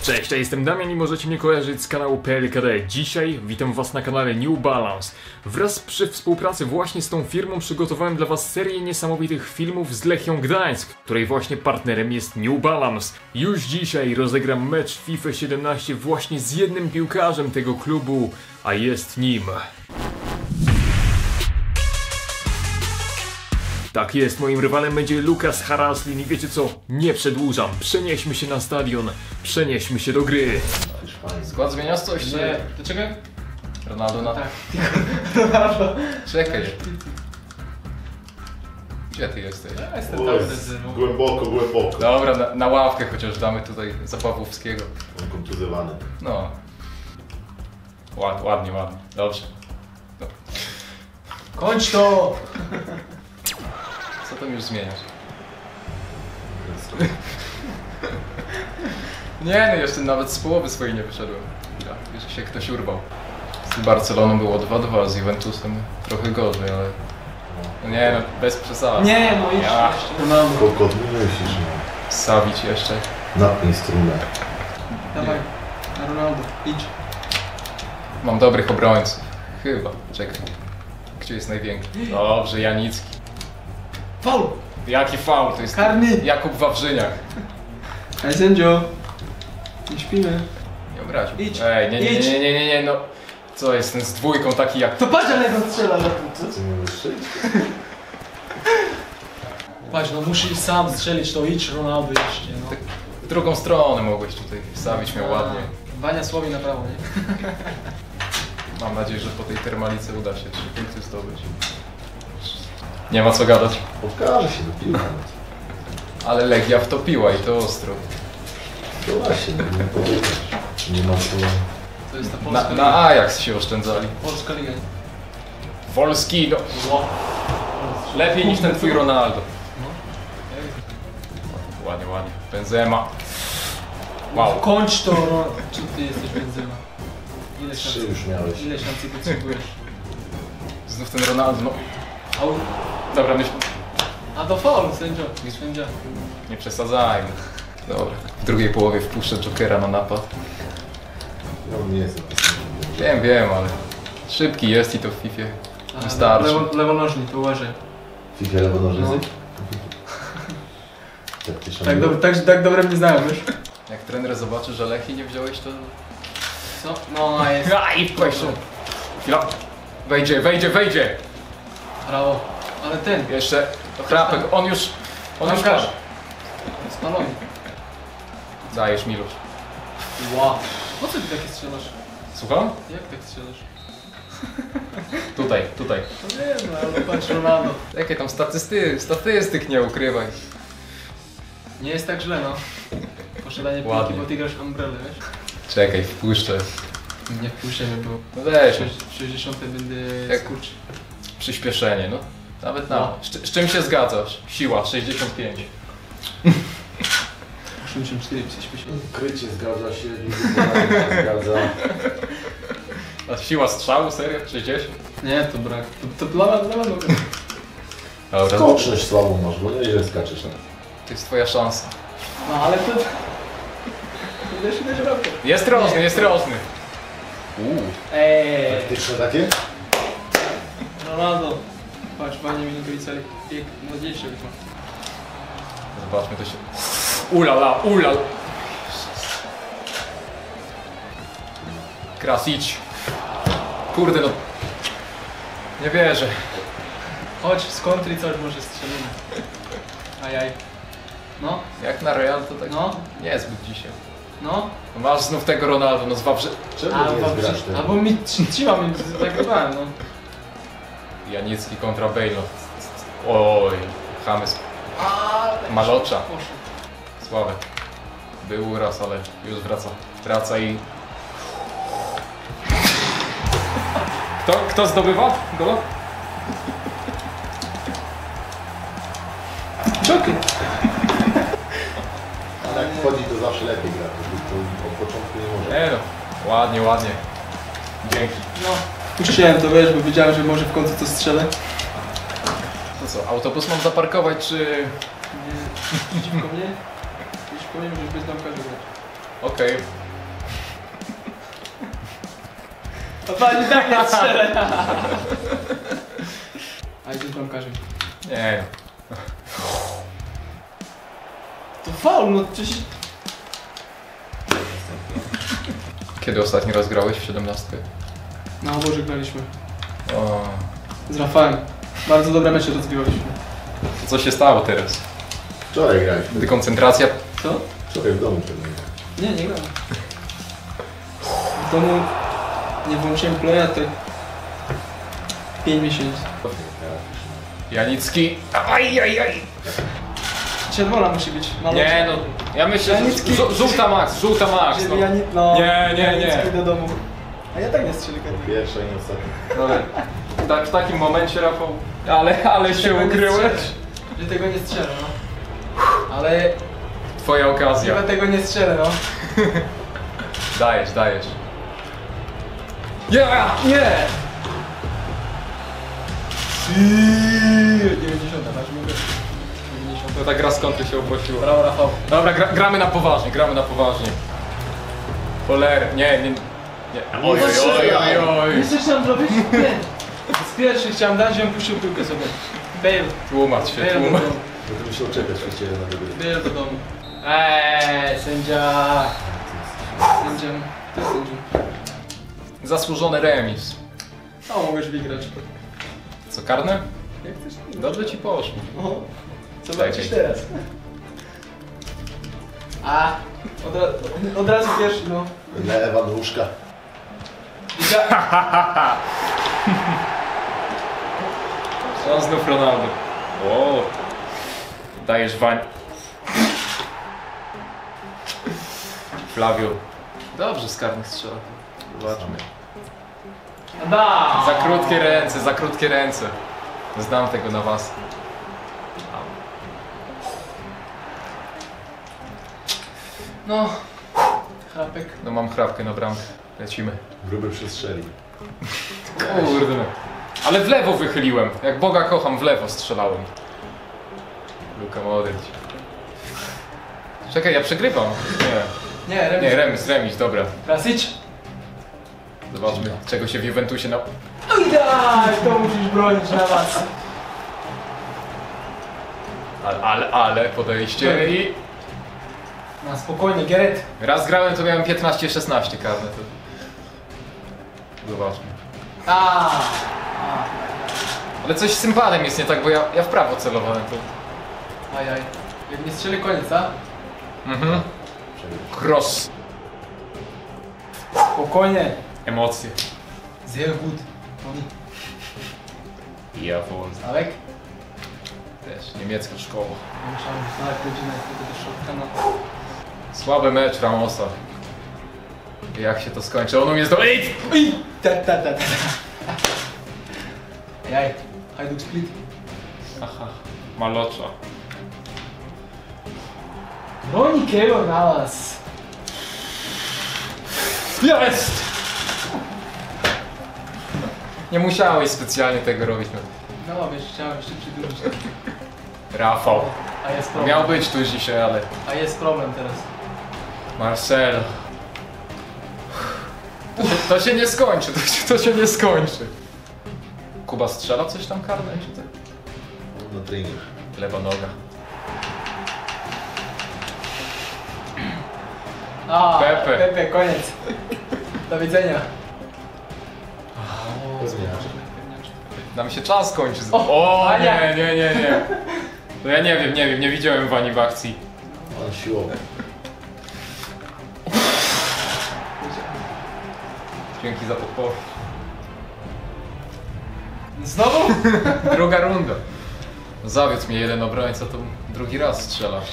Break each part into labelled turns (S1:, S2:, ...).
S1: Cześć, ja jestem Damian i możecie mnie kojarzyć z kanału PLKD. Dzisiaj witam was na kanale New Balance. Wraz przy współpracy właśnie z tą firmą przygotowałem dla was serię niesamowitych filmów z Lechią Gdańsk, której właśnie partnerem jest New Balance. Już dzisiaj rozegram mecz FIFA 17 właśnie z jednym piłkarzem tego klubu, a jest nim... Tak jest, moim rywalem będzie Lukas Haraslin i wiecie co? Nie przedłużam, przenieśmy się na stadion, przenieśmy się do gry.
S2: Skład zmieniasz coś? Nie. Dlaczego? Ronaldo na...
S3: Tak.
S2: Ronaldo. Czekaj. Gdzie ty jesteś?
S3: Ja jestem tam rezerwą.
S4: Głęboko.
S2: Dobra, na ławkę chociaż damy tutaj za Pawłowskiego.
S4: On kontuzjowany.
S2: No. Ładnie. Dobrze. No.
S3: Kończ to!
S2: Co tam już zmieniasz? Nie no, jeszcze nawet z połowy swojej nie wyszedłem. Ja, już się ktoś urwał. Z Barceloną było 2-2, z Juventusem trochę gorzej, ale... No nie no, bez przesady.
S3: Nie no, idź
S2: Ja.
S3: jeszcze. Ronaldo.
S4: Kokot, nie myślisz, no.
S2: Savic jeszcze.
S4: Napnij strunę.
S3: Dawaj, na Ronaldo, idź.
S2: Mam dobrych obrońców. Chyba. Czekaj. Gdzie jest największy? Dobrze, Janicki.
S3: Faul!
S2: Jaki faul? To jest
S3: Karny.
S2: Jakub Wawrzyniak.
S3: Hej sędzio. Nie śpimy.
S2: Nie obraził.
S3: Idź.
S2: Ej,
S3: Idź.
S2: nie, no. Co jest ten z dwójką taki jak...
S3: To patrz, ale go strzela na półce.
S4: Co nie możesz strzelić?
S3: Patrz, no musisz sam strzelić, to idź Ronaldo jeszcze, no.
S2: Tak w drugą stronę mogłeś tutaj Savic miał ładnie.
S3: Wania słowi na prawo, nie?
S2: Mam nadzieję, że po tej termalice uda się 3 punkty zdobyć. Nie ma co gadać.
S4: Pokaże się do piłka.
S2: Ale Legia wtopiła i to ostro.
S4: To właśnie, nie powiedzieć. Nie ma co...
S3: To jest ta polska liga.
S2: Na Ajax się oszczędzali.
S3: Polska liga.
S2: Wolski, no. Lepiej niż ten twój Ronaldo. Ładnie. Benzema. Wow.
S3: Kończ to, Ronaldo. Czy ty jesteś Benzema? Ile
S4: 3
S3: szans?
S4: już miałeś.
S3: Ile szansy potrzebujesz?
S2: Znów ten Ronaldo, no.
S3: Au.
S2: Dobra, myśl.
S3: A to faul, sędzia.
S2: Nie przesadzajmy. Dobra. W drugiej połowie wpuszczę Jokera na napad.
S4: No nie jest napisane.
S2: Wiem, ale szybki jest i to w FIFA wystarczy.
S3: Lewonożnik, uważaj.
S4: FIFA lewonożycy?
S3: No.
S4: Tak piszą.
S3: Tak dobre mnie znają, wiesz?
S2: Jak trener zobaczy, że Lechii nie wziąłeś, to...
S3: Co? No, a jest.
S2: I wpłeszczą. Chwila. Wejdzie.
S3: Brawo. Ale ten.
S2: Jeszcze chrapek, on już
S3: Bramkarz.
S2: padł.
S3: Spalony.
S2: Dajesz, Milusz.
S3: Wow. Po co ty takie strzelasz?
S2: Słucham?
S3: Jak tak strzelasz?
S2: Tutaj.
S3: No nie no, ale patrz Ronaldo.
S2: Jakie tam statystyk nie ukrywaj.
S3: Nie jest tak źle, no. Posiadanie piłki,
S2: Ładnie.
S3: bo ty grasz umbrelę, wiesz?
S2: Czekaj, wpuszczę.
S3: Nie wpuszczamy, bo
S2: No weź,
S3: w 60 będę
S2: Jak-
S3: skurcz.
S2: przyspieszenie, no. Nawet na.
S3: No.
S2: Z czym się zgadzasz? Siła, 65.
S3: 84 się
S4: Krycie zgadza się, nie się zgadza.
S2: A siła strzału, serio? 60?
S3: Nie, to brak. To dla mnie.
S2: Dobra,
S4: Skoczność słabą masz, bo nieźle skaczesz. No.
S2: to jest twoja szansa.
S3: No ale to... Ile się będzie robił?
S2: Jest rożny.
S4: Taktyczne takie?
S3: Ronaldo. Patrz, Wania Minutowica, bieg młodzieńszy chyba.
S2: Zobaczmy to się. Ulala. Krasic. Kurde no. Nie wierzę.
S3: Chodź, z kontry coś może strzelimy. Ajaj. No,
S2: Jak na Real to tak
S3: no,
S2: niezbyt dzisiaj.
S3: no.
S2: Masz znów tego Ronaldo, no zwawrze...
S4: Czemu
S3: Albo,
S4: nie zgrasz tego?
S3: albo mi trzyma mnie, zagrywałem, no.
S2: Janicki kontra Bale. Oj, James Malocza.
S3: Poszło.
S2: Słabe. Był raz, ale już wraca i... Kto zdobywa gola?
S3: Czoky.
S4: Ale jak wchodzi to zawsze lepiej gra, to od początku nie może.
S2: Nie no, ładnie. Dzięki.
S3: No, puściłem to, wiesz, bo wiedziałem, że może w końcu to strzelę.
S2: To co, autobus mam zaparkować, czy...
S3: Nie, przeciwko mnie? Przeciwko mnie możesz bez bramkarza grać.
S2: Okej.
S3: A pani tak nie strzelę. A idzie z bramkarzem.
S2: Nie.
S3: To faul, no przecież...
S2: Kiedy ostatni raz grałeś w 17?
S3: Na oborze graliśmy.
S2: O,
S3: Z Rafałem. Bardzo dobre mecze rozgrywaliśmy.
S2: to co się stało teraz?
S4: Wczoraj graliśmy.
S2: Dekoncentracja?
S3: Co?
S4: Wczoraj w domu pewnie graliśmy.
S3: Nie grałem. W domu nie włączyłem playa tak 5 miesięcy.
S2: Janicki. Aj.
S3: Czerwona musi być.
S2: Nie no, ja myślę, że
S3: Janicki.
S2: żółta max, no.
S3: Żeby no.
S2: Nie.
S3: Janicki do domu. A ja tak nie strzelę karny.
S4: Pierwsza i ostatnia.
S2: No, tak, w takim momencie, Rafał, ale się ukryłeś.
S3: Że tego nie strzelę, no. Ale
S2: Twoja okazja.
S3: chyba tego nie strzelę, no.
S2: Dajesz. Nie!
S3: 90, masz mówię. 90.
S2: No ta gra z kontry się opłaciła.
S3: Brawo, Rafał.
S2: Dobra, gramy na poważnie. Poler, nie. Oj.
S3: Wiesz co chciałem zrobić? Nie. Z pierwszy chciałem dać, żebym puścił piłkę sobie. Bale.
S2: Tłumacz się.
S3: Bale do domu.
S4: Będę musiał czekać właściwie na tego.
S3: Bale do domu. Sędzia. Sędzia. To jest sędzia.
S2: Zasłużony remis.
S3: O, możesz wygrać.
S2: Co, karne?
S3: Jak chcesz?
S2: Dobrze ci poszło.
S3: O, zobaczysz
S2: Czekaj.
S3: teraz. A, od razu pierwszy, no.
S4: Dla Ewanuszka.
S2: On znów Ronaldo. O, dajesz Wań. Flavio. Dobrze z karnych strzela. Zobaczmy.
S3: Da!
S2: Za krótkie ręce. Znam tego na was.
S3: No, chrapek.
S2: No mam chrapkę na bramkę. Lecimy.
S4: Gruby przestrzeli.
S2: Kurde. Ale w lewo wychyliłem. Jak Boga kocham, w lewo strzelałem. Luka Modric. Czekaj, ja przegrywam.
S3: Nie, remis.
S2: Nie, remis, dobra.
S3: Krasić.
S2: Zobaczmy, czego się w Juventusie na...
S3: No i daj, to musisz bronić na was.
S2: Ale podejście i...
S3: Na spokojnie, Geret.
S2: Raz grałem, to miałem 15-16 karne. To... Zobaczmy. Ale coś z sympadem jest nie tak, bo ja w prawo celowałem. To...
S3: Ajaj. Jak nie strzeli, koniec, a?
S2: Mhm. Cross.
S3: Spokojnie.
S2: Emocje.
S3: Sehr gut.
S2: Ja wolę.
S3: Alek?
S2: Też niemiecka szkoła.
S3: Musiałem znaleźć godzinę do środka na...
S2: Słaby mecz Ramosa. Jak się to skończy? On umie Ej!
S3: Ta. Jaj. Hajduk split.
S2: Aha. Malocza.
S3: Broni Keylor na was.
S2: Jest! Nie musiałeś specjalnie tego robić.
S3: No wiesz, chciałem jeszcze przydłużyć.
S2: Rafał.
S3: A jest problem.
S2: Miał być tu dzisiaj, ale...
S3: A jest problem teraz.
S2: Marcel. To się nie skończy, to się nie skończy. Kuba strzela coś tam karne, czy tak?
S4: Na trening.
S2: Lewa noga. Pepe.
S3: Koniec. Do widzenia.
S4: Zmieniasz.
S2: Nam się czas kończy.
S3: O, Ania.
S2: Nie. No ja nie wiem, nie widziałem Wani w akcji.
S4: On siłowy.
S2: Dzięki za podpowiedź.
S3: Znowu?
S2: Druga runda. Zawiódł mnie jeden obrońca, to drugi raz strzelasz.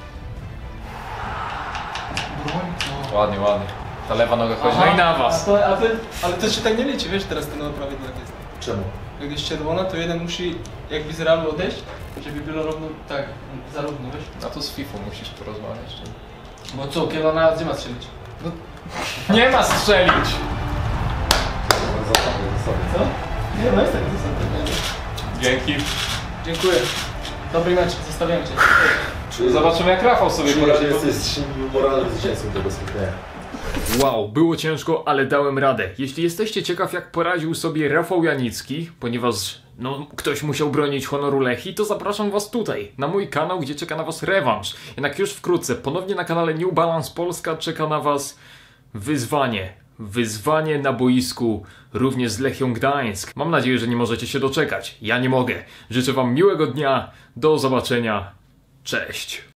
S2: Ładnie. Ta lewa noga chodzi. No i na was.
S3: Ale to się tak nie liczy, wiesz, teraz ten prawie tak jest.
S4: Czemu?
S3: Jak jest czerwona, to jeden musi jakby z realu odejść, żeby było równo, tak, zarówno, wiesz?
S2: No to z FIFA musisz porozmawiać.
S3: Bo co, kiedy na gdzie ma strzelić?
S2: Nie ma strzelić!
S4: Zasady.
S3: Co? Nie, no jest tak, zasady.
S2: Dzięki.
S3: Dziękuję. Dobry mecz, zostawiam cię.
S2: Zobaczymy jak Rafał sobie
S4: Czuję,
S2: poradzi.
S4: że jesteś moralnym zwycięzcą tego spotkania.
S1: Wow, było ciężko, ale dałem radę. Jeśli jesteście ciekaw, jak poradził sobie Rafał Janicki, ponieważ ktoś musiał bronić honoru Lechii, to zapraszam was tutaj, na mój kanał, gdzie czeka na was rewanż. Jednak już wkrótce, ponownie na kanale New Balance Polska czeka na was wyzwanie. Wyzwanie na boisku, również z Lechią Gdańsk. Mam nadzieję, że nie możecie się doczekać. Ja nie mogę. Życzę wam miłego dnia, do zobaczenia. Cześć.